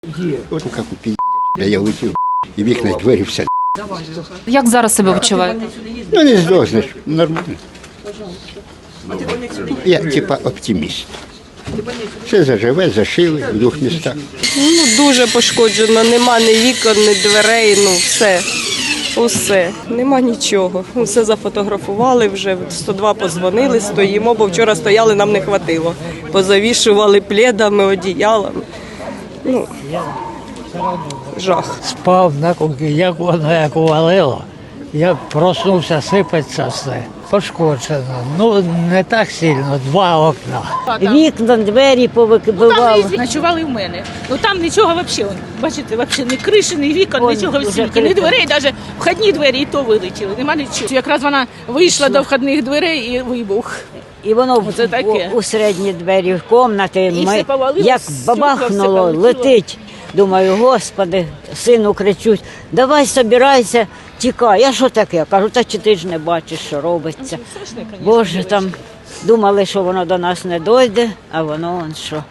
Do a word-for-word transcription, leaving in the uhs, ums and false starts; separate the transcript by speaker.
Speaker 1: От як у пі***, я летів, і вікна, двері, все.
Speaker 2: Як зараз себе відчуваєте?
Speaker 1: Ну не здохнеш, нормально. Я типа оптиміст. Все заживе, зашили в двох містах.
Speaker 3: Ну, дуже пошкоджено, нема ні вікон, ні дверей, ну все, усе, нема нічого. Усе зафотографували вже, сто два подзвонили, стоїмо, бо вчора стояли, нам не хватило. Позавішували пледами, одіялами. Ну, жах.
Speaker 4: Спав на кухні, як воно як увалило. Я проснувся, сипеться все. Пошкоджено. Ну, не так сильно, два окна.
Speaker 5: Вікна, двері повикибивали.
Speaker 6: Там ночували в мене. Ну там нічого взагалі, бачите, взагалі ні криші, ні вікон,
Speaker 5: Ой,
Speaker 6: нічого в
Speaker 5: дуже
Speaker 6: світі, ні
Speaker 5: крито.
Speaker 6: дверей, навіть входні двері і то вилетіли, нема нічого. Якраз вона вийшла до входних дверей і вибух.
Speaker 5: І воно
Speaker 6: Оце таке.
Speaker 5: у, у середні двері в кімнаті.
Speaker 6: І все повалилось,
Speaker 5: Як
Speaker 6: стекла
Speaker 5: бабахнуло,
Speaker 6: все полетіло.
Speaker 5: летить. Думаю, господи, сину кричуть, давай собирайся, тікай. Я що таке? Кажу, та чи ти ж не бачиш, що робиться. Боже, там думали, що воно до нас не дойде, а воно он що.